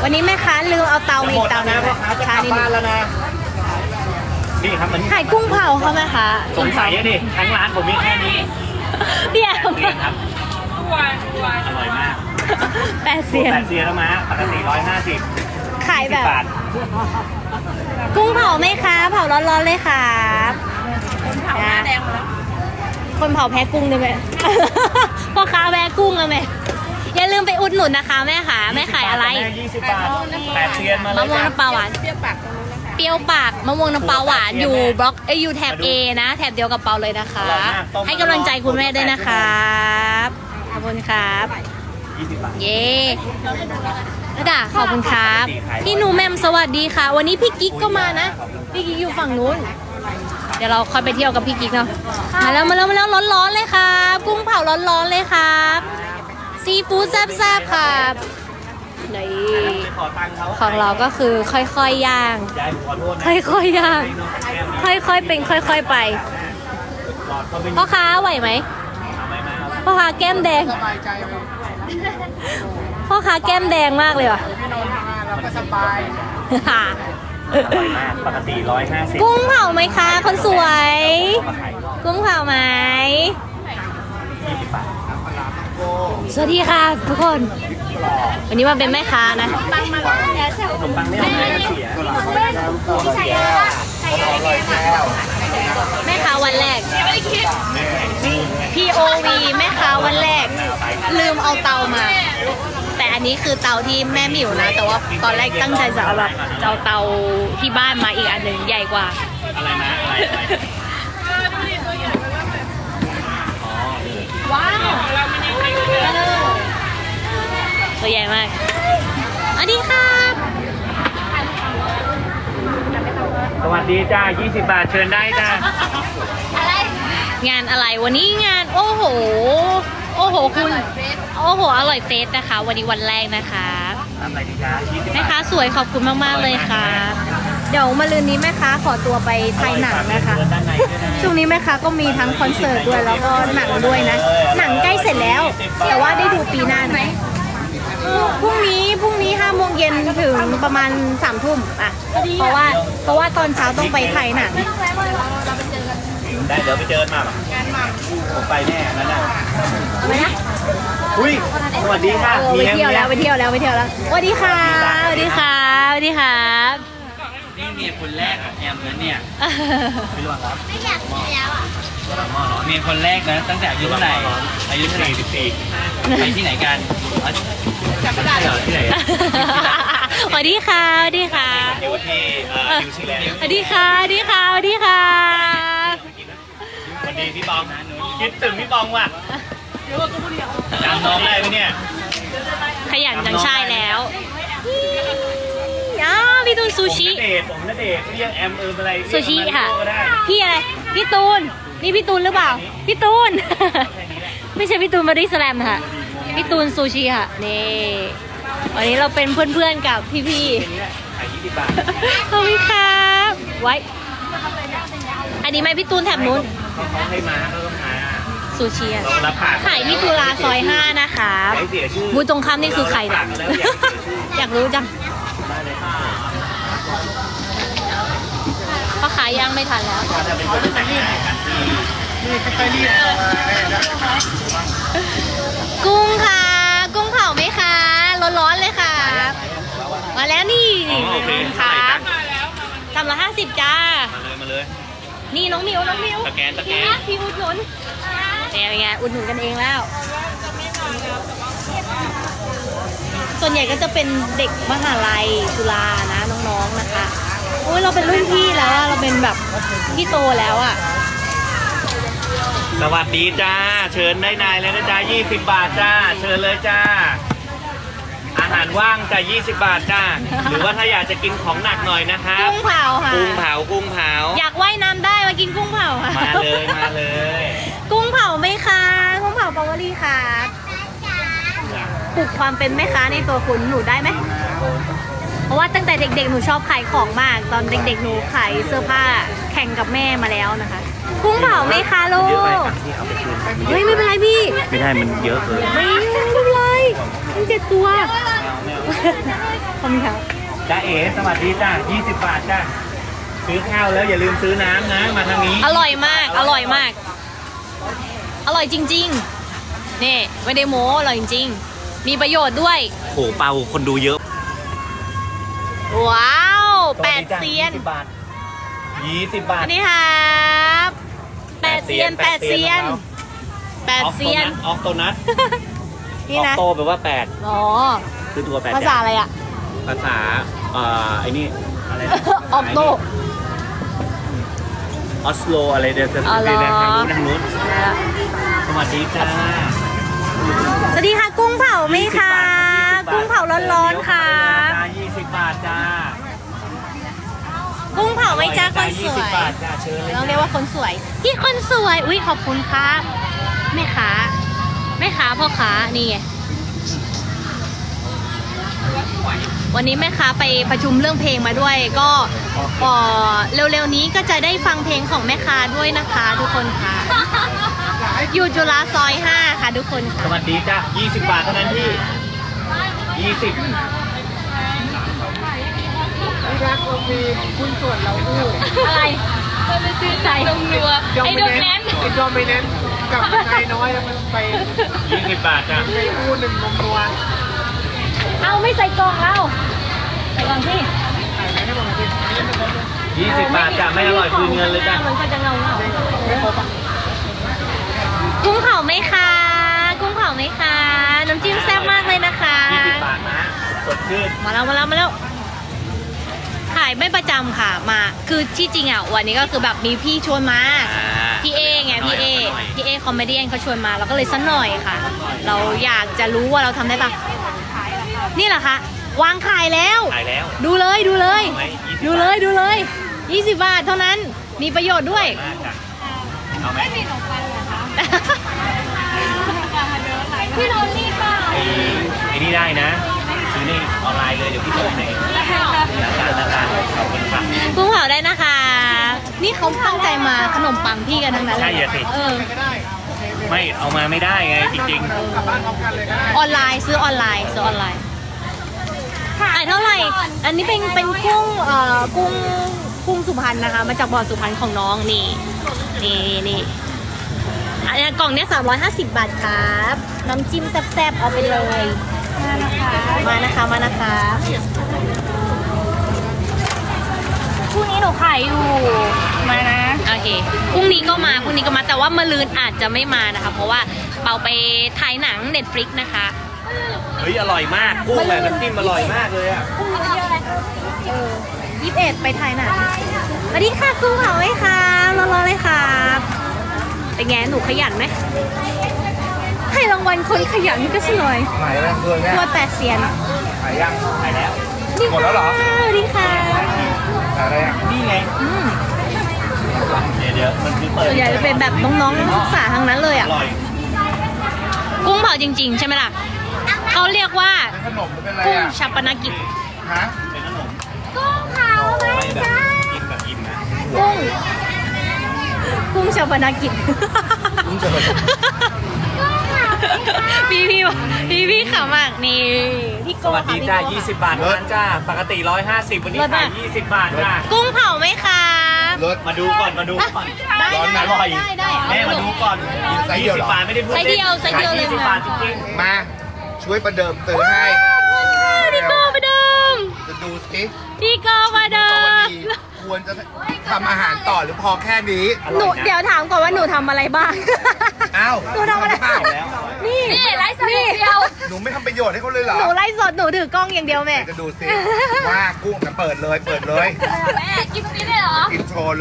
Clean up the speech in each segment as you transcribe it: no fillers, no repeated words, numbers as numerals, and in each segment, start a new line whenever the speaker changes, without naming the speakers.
วันนี้แม่ค้าลืมเอาเตามาอีกเตานึง
ช้านิดนึงแล้วนะนี่ครับมัน
ขายกุ้งเผาเขาไหมคะ
สงสัยอะดิทั้งร้านผมมีแค่นี้
พี่แอม
เรียนครับอร่อยมาก
8 เซียน
8 เซียนแล้วมาปกติ150
ขายแบบ
บาท
กุ้งเผาไหมคะเผาร้อนๆเลยค่ะเผาหน้าแดงแล้วคนเผาแพ้กุ้งด้วยไหม พ่อค้าแพ้กุ้งเลยไหมอย่าลืมไปอุดหนุนนะคะแม่ค่ะแม่ขายอะไร
20 บาท8 เซียนมาเลย
มะม่วงน้ำปลาหวานเปรี้ยวปากมะม่วงน้ำปลาหวานอยู่บล็อกอยู่แถบ A นะแถบเดียวกับเปาเลยนะคะ ให้กำลังใจคุณแม่ด้วยนะครับขอบคุณครับ
20 บาท
เย้ระดาขอบคุณครับพี่หนูแมมสวัสดีค่ะ วันนี้พี่กิ๊กก็มานะพี่กิ๊กอยู่ฝั่งนู้นเดี๋ยวเราค่อยไปเที่ยวกับพี่กิ๊กเนาะมาแล้วร้อนๆเลยครับกุ้งเผาร้อนๆเลยครับซีฟู้ดแซ่บๆครับนี่ของเราก็คือค่อยๆย่าง
ยายขอโทษนะ
ค่อยๆย่างค่อยๆเป็นค่อยๆไปพ่อค้าไหวไหมพ่อค้าแก้มแดงพ่อค้าแก้มแดงมากเลยว่ะ
เราก็สบาย
อร่อยมากปกติ150
กุ้งเผาไหมคะคนสวย
มาขาย
กุ้งเผาไหม
20 บาท
สวัสดีค่ะทุกคน วันนี้มาเป็นแม่ค้านะ
ขนมปังไม่เอาไหนก็เสียอร่อยแล้ว
แม่ค้าวันแรก POV แม่ค้าวันแรก ลืมเอาเตามา แต่อันนี้คือเตาที่แม่หมิวนะ แต่ว่าตอนแรกตั้งใจจะเอาแบบเอาเตาที่บ้านมาอีกอันหนึ่งใหญ่กว่า
อะไรนะอะไร
ว้าวตัวใหญ่มากสวัสดีครับ
สวัสดีจ้า20 บาทเชิญได้จ้าง
านอะไรวันนี้งานโอ้โหคุณโอ้โหอร่อยเฟสนะคะ วันนี้วันแรกนะคะ
ทำอะไรดีจ้า20
แม่
บาท
ค้าสวยขอบคุณมากๆเลยค่ะ เดี๋ยวมาลืนนี้แม่ค้าขอตัวไปถ่ายหนังนะคะช่วงนี้แม่ค้าก็มีทั้งคอนเสิร์ตด้วยแล้วก็หนังด้วยนะ หนังใกล้เสร็จแล้ว แต่ว่าได้ดูปีหน้าไหมพรุ่งนี้5 โมงเย็นถึงประมาณ3 ทุ่มอ่ะเพราะว่าตอนเช้าต้องไปถ่ายหนัง
ได้เดี๋ยวไปเจอกันมาผมไปแน่นั่นน่ะ
เอาไหมนะ
อุ้ยสวัสดีค่ะ
ไปเที่ยวแล้วสวัสดีค่ะสวัสดีครับ
นี่เมียคนแรกของแอมนะเนี่ยไม่รู้ครับ
ไม่อยากกินแล้วอ่ะ
เมียคนแรกนะตั้งแต่อายุเท่าไหร่อายุ44ไปที่ไหนกันจำไม่ได้เหรอที่ไหน
สวัสดีค่ะสวัสดีค่ะ
อยู่ที่นิวซีแลนด์
สวัสดีค่ะสวัสดีค่ะสวัสดีค่ะ
สวัสดีพี่บองคิดถึงพี่บองว่ะจำน้องได้ไหมเนี่ย
ขยันจังใช่แล้วพี่ตูนซูชิ
ผมณเดชน์เรียกแอมอะไร
ซูชิค่ะพี่อะไรพี่ตูนนี่พี่ตูนหรือเปล่าพี่ตูน ไม่ใช่พี่ตูนบอดี้สแลมค่ะพี่ตูนซูชิค่ะนี่วันนี้เราเป็นเพื่อนๆกับพี่ๆ
ขาย20 บาท
ขอบคุณครับไว้อันนี้ไหมพี่ตูนแถบนู้น
เขาให้มาเขาต้องมา
ซูชิอะ
เรารับผ่าน
ขายที่จุฬาซอย5นะคะ
ให้เสียชื่อ
บูธตรงข้ามนี่คือใครเนี่ย
แล้วอยากเสียชื่อ
อยากรู้จังพ่อขายย่างไม่ทันแล้ว
จะเป็นคนแต่งงานกันที่
กุ้งค่ะ กุ้งเผาไหมคะร้อนๆเลยค่ะ มาแล้วนี่
โอเค
ครับ350จ้า
มาเลย
นี่น้องมิว
สแกน
พี่อุดหนุนเนี่ยเป็นไงอุดหนุนกันเองแล้ว ส่วนใหญ่ก็จะเป็นเด็กมหาลัยจุฬานะน้องๆนะคะโอ้ยเราเป็นรุ่นพี่แล้วอะเราเป็นแบบพี่โตแล้วอะ
สวัสดีจ้าเชิญได้นายเลยนะจ้า20 บาทจ้าเชิญเลยจ้าอาหารว่างจ้า20 บาทจ้าหรือว่าถ้าอยากจะกินของหนักหน่อยนะครับ
กุ้งเผาค่ะ
กุ้งเผา
อยากว่ายน้ำได้มากินกุ้งเผาค่ะ
มาเลย
กุ้งเผาไหมคะกุ้งเผาปาวลีค่ะปลุกความเป็นแม่ค้าในตัวคุณหนูได้ไหมเพราะว่าตั้งแต่เด็กๆหนูชอบขายของมาก ตอนเด็กๆหนูขายเสื้อผ้าแข่งกับแม่มาแล้วนะคะ กุ้งเผาไหมคะลู
เยอะไป
ก
ครับที่เอาไปคืน
เฮ้ยไม่เป็นไรพี่
ไม่ได้มันเยอะเกิน
ไม่เป็นไรมัน7 ตัวขอบคุณครับ
จ้าเอ๋สวัสดีจ้า20 บาทจ้าซื้อข้าวแล้วอย่าลืมซื้อน้ำนะมาทางนี้
อร่อยมาก อร่อยมาก อร่อยจริงๆนี่ไม่ได้โม้อร่อยจริงๆมีประโยชน์ด้วย
โหเปาคนดูเยอะ
ว้าว8เซียน
20 บาท20 บาท
อันนี้ครับ8เซียน8เซียน8เซียน
ออกโตนัท
นี่
ออก
นะ
โตแปลว่า8
อ๋อ
คือตัว8
ภาษาอะไรอ่ะ
ภาษาไอ้นี่อะไรนะ
ออกโต
ออสโลอะไรเดี๋ยวจะ
อ๋อเหรอ
ไปทางนู้นสวัสดีจ้า
สวัสดีค่ะกุ้งเผาไหมคะ กุ้งเผาร้อนๆค่ะ
20 บาทจ้า
กุ้งเผาไหมจ้าคนสวย
20 บาทจ้าเชิญเลย
ต้องเรียกว่าคนสวยพี่คนสวย อุ้ยขอบคุณครับแม่ค้าพ่อค้านี่ไงวันนี้แม่ค้าไปประชุมเรื่องเพลงมาด้วย ก็เร็วๆนี้ก็จะได้ฟังเพลงของแม่ค้าด้วยนะคะทุกคนค่ะอยู่จุฬาซอย 5 ค่ะทุกคน
ส
ค่ะ
วัสดีจ้า20 บาทเท่านั้นพี่20
อะไรไปซื้อไก่นมนัวไอ้ดมแนน
ไอ้จอมไปเน้นกับนายน้อยแล้วมันไป
20 บาทจ้า
ไปอู้หนึ่งนมนัว
เอาไม่ใส่กล่องเอาใส่กล่องพี่
20 บาทจ้าไม่อร่อยคืนเงินเลยจ้า
มันก็จะเงา
ไม่ครบอ่ะ
กุ้งเผาไหมคะกุ้งเผาไหมคะน้ำจิ้มแซ่บมากเลยนะคะ
20 บาทนะสดชื่น
มาแล้วขายไม่ประจำค่ะมาคือที่จริงอ่ะวันนี้ก็คือแบบมีพี่ชวนมาพี่เอไงพี่เอคอมเมดี้เขาชวนมาเราก็เลยสักหน่อยค่ะ เราอยากจะรู้ว่าเราทำได้ปะนี่แหละคะวางขายแล้ว
ขายแล้ว
ดูเลย
เอาไหม20
ดูเลย20 บาทเท่านั้นมีประโยชน์ด้วย
มากจ้ะเอาไหม
พี่โรนนี่เปล่า
ไอ้นี่ได้นะ ซื้อในออนไลน์เลยเดี๋ยวพี่ส่งให้ราคาขอบคุณค่ะ
กุ้งเผาได้นะคะ นี่เขาตั้งใจมาขนมปังพี่กันทั้งนั้นเลย
ใช่อะสิ
เออ
ไม่เอามาไม่ได้ไงจริง
กลับบ้านพร้อมกันเลยก็ได้
ออนไลน์ซื้อออนไลน์ขายเท่าไหร่ อันนี้เป็นกุ้งสุพรรณนะคะ มาจากบ่อสุพรรณของน้องนี่อันนี้กล่องเนี้ย350 บาทครับน้ำจิ้มแซ่บๆเอาไปเลยมานะคะพรุ่งนี้หนูขายอยู่มานะโอเคพรุ่งนี้ก็มาแต่ว่ามะรืนอาจจะไม่มานะคะเพราะว่าเปาไปถ่ายหนัง Netflix นะคะ
ๆ เฮ้ยอร่อยมากกุ้งแบบน้ำจิ้มอร่อยมากเลยอ่ะ
พรุ่งนี้วันที่อะไร21ไปถ่ายหนังสวัสดีค่ะกุ้งเผาไหมคะรอเลยครับเป็นไงหนูขยันไหมให้รางวัลคนขยันก็สักหน่อย
หายแล้วเพื่อนเนี่ย
ตัว8เซียน
หายยัง
ขายแล้ว
หมดแล้วเหรอ
สวัสดีค่ะ
หายอะไรอ่ะ
นี่ไง
อืม
เดี๋ยวมันคือเปิด
ส่วนใหญ่จะเป็นแบบน้องๆนักศึกษาทั้งนั้นเลย
อ
อ่ะ
ร่อย
กุ้งเผาจริงๆ ใช่ไหมล่ะเขาเรียกว่า
เป็นขนมหรือเป็นอะไร
กุ้ง
อ่ะ
ชาปนกิจ
ฮะ
เป็นขนม
กุ้งเผาไหม
ไม่แบบ
จ๊ะ
กินแบบอิ่มนะ
กุ้งชาปนกิจ
กุ้งจะเป็น
พี่ขำมากนี่พี่โก
สวัส
ค่ะ
ดี
พี่
จ้า
โก
20 บาทเท่านั้นจ้าปกติ 150 วันนี้ขาย20 บาทจ้า
กุ้งเผาไหมคะ
รถ
มาดูก่อน
ได้
ร้อนไหม
อร่อย
ได้
แม่มาดูก่อน
ไซส์เดียวเหรอ
20 บาทไม่ได้พูด
ไซส์เดียวไซส์เดียวเลย
20 บาทจริง
มาช่วยประเดิมเตือนให้
พี่โกมาเดิม
จะดูสิ
พี่โกมาเดิ
วัน
ม
นี้ควรจะทำอาหารต่อหรือพอแค่นี้
หนูเดี๋ยวถามก่อนว่าหนูทำอะไรบ้าง
อ้าว
หนูทำอะไร
เปล่า
แล้ว
นี่ไลฟ์สดอย่างเดียว
หนูไม่ทำประโยชน์ให้เขาเลยเหรอ
หนูไลฟ์สดหนูถือกล้องอย่างเดียวแม่
จะดูสิว่ากุ้งจะเปิดเลย
แม่กินตรงนี้เลยเหรอ
อินโทรเลย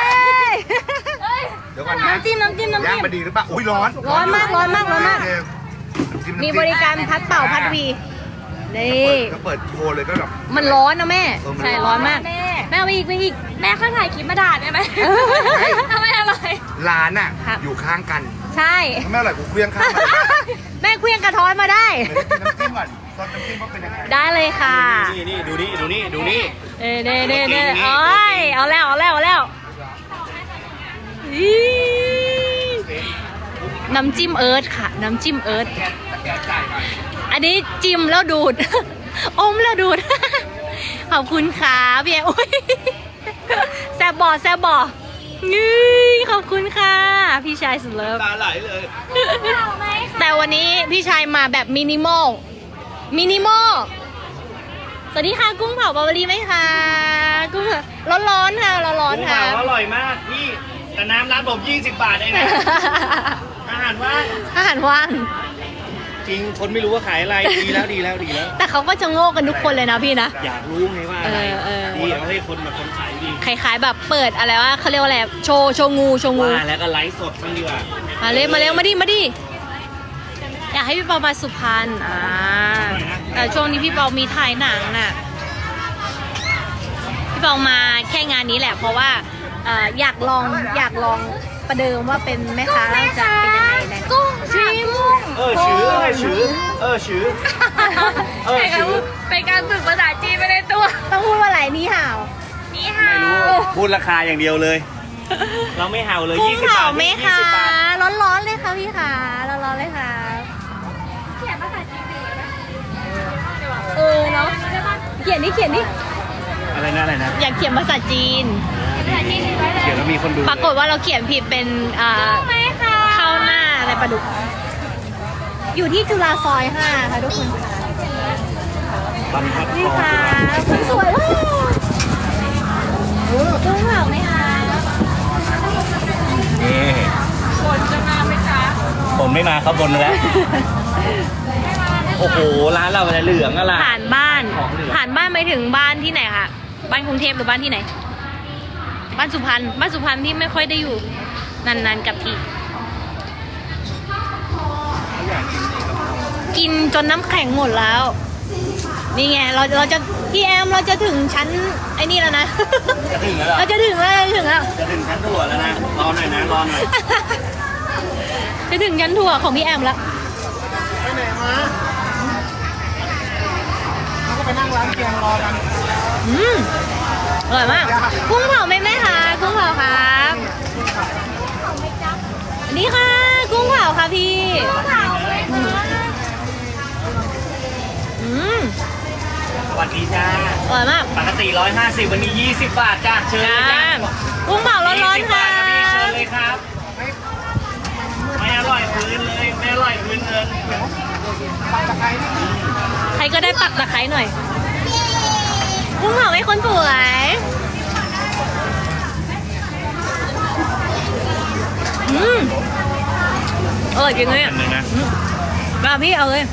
เดี๋ยวก่อนนะ
น้ำจิ้ม
ย่างมาดีหรือเปล่าอุ้ยร้อน
ร้อนมาก
โอเคน้ำจิ้
มีบริการพัดเป่าพัดวีนี่
ก็เปิดโชว์เลยก็แบบ
มันร้อนนะแม่
เออมันร้อน
ใช่ร้อนมาก แม่เอาไปอีกแม่ค่อยถ่ายคลิปมาด่าได้ไหมทำไมอร่อย
ร้านอ่ะ
ครับ
อยู่ข้างกัน
ใช่
ถ้าไม่อร่อยกูเคลี้ยงข้างมา
แม่เคลี้ยงกระท้อนมาได้
เดี๋ยวได้กินน้ำจิ้มก่อนซอสน้ำจิ้มว่าเป็นยังไง
ได้เลยค่ะ
นี่ดูนี่
เน่โอ้ยเอาแล้วอีน้ำจิ้มเอิร์ธค่ะ น้ำจิ้มเอิร์ธอันนี้จิ้มแล้วดูดอมแล้วดูด ขอบคุณค่ะพี่แอมอุ๊ยแซบบ่อแซบบ่อนี่ขอบคุณค่ะ พี่ชายสุดเลิฟ
ตาไหลเลย
แต่วันนี้พี่ชายมาแบบมินิมอล มินิมอล สวัสดีค่ะกุ้งเผาบาวารีไหมคะกุ้งเผาร้อนๆค่ะร้อน
กุ้ง
ๆค่ะ
เผาอร่อยมากพี่แต่น้ำร้านผม20 บาทเองนะอาหารว่าง
อาหารว่าง
จริงคนไม่รู้ว่าขายอะไรดีแล้วดีแล้วดีแล้ว
แต่เขาก็จะโง่กันทุกคนเลยนะพี่นะ
อยากรู้ไงว่าอะไร
เออ
ดีเอาให้คนแบบคนขายดี
คล้ายๆแบบเปิดอะไรว่าเขาเรียกว่าอะไรโชว์งู
ว่าแล้วก็ไลฟ์สดบ้างดีกว่า
มาเร็วมาดิอยากให้พี่เปามาสุพรรณแต่ช่วงนี้พี่เปามีถ่ายหนังน่ะพี่เปามาแค่งานนี้แหละ เพราะว่าอยากลองประเดิมว่าเป็นแม่ค้าจะเป็นยังไงนะกุ้งชิม
ชื่อ
เป็นการฝึกภาษาจีนไปในตัวต้องพูดว่าอะไรนี่ห่าว
ไม่รู้พูดราคาอย่างเดียวเลย เราไม่เห่าเลย
กุ้ง
20
เผา
บาท
ไหม
นี่
คะ
20 บาท
ร้อนๆเลยค่ะพี่ค่ะร้อนๆเลยค่ะเนาะเขียนดิ
อะไรนะ
อยากเขียนภาษาจีน
เดี๋ยวเรามีคนดู
ปรากฏว่าเราเขียนผิดเป็นข้าวหน้าอะไรปลาดุก อยู่ที่จุฬาซอย 5 ค่ะทุกคนค่ะ
บรรทัดท
นี่
อง
ค่ะคุณสวยว้าวกุ้งเผาไหมคะ
นี่คนจะมาไหมคะผมไม่มาครับบนแล้ว โอ้โห ร้านเราอะไรเหลืองอะไร
ผ่านบ้าน
ของเหลือง
ผ่านบ้านไปถึงบ้านที่ไหนคะบ้านกรุงเทพหรือบ้านที่ไหน บ้านสุพรรณที่ไม่ค่อยได้อยู่นานๆกับทีกินจนน้ำแข็งหมดแล้ว นี่ไงเราจะพี่แอมเราจะถึงชั้นไอ้นี่แล้วนะ
จะถึงแล้วเหรอ
เราจะถึงแล้ว
จะถึงชั้นตรวจแล้วนะ รอหน่อยนะ รอหน่อย
จะถึงชั้นถั่วของพี่แอมแล้ว
ไปไหนมาเราก็ไปนั่งร้านเกียงรอกัน
อร่อยมากกุ้งเผาไหมแม่คะกุ้งเผาครับนี่ค่ะกุ้งเผาค่ะพี่
สวัสดีจ้า
อร่อยมาก
ปกติ150วันนี้20 บาทจ้าเชิญเลยจ้า
กุ้งเผาร้อนๆ
20
ค่ะ
บาทครับพี่เชิญเลยครับ ไม่อร่อยพื้นเลย ไม่อร่อยพื้นเงิน
ใครก็ได้ปักตะไคร้หน่อยกุ้งเผาให้คนสวยจริงเลยอ่ะ
อันหนึ่งนะ
มาพี่เอาเลย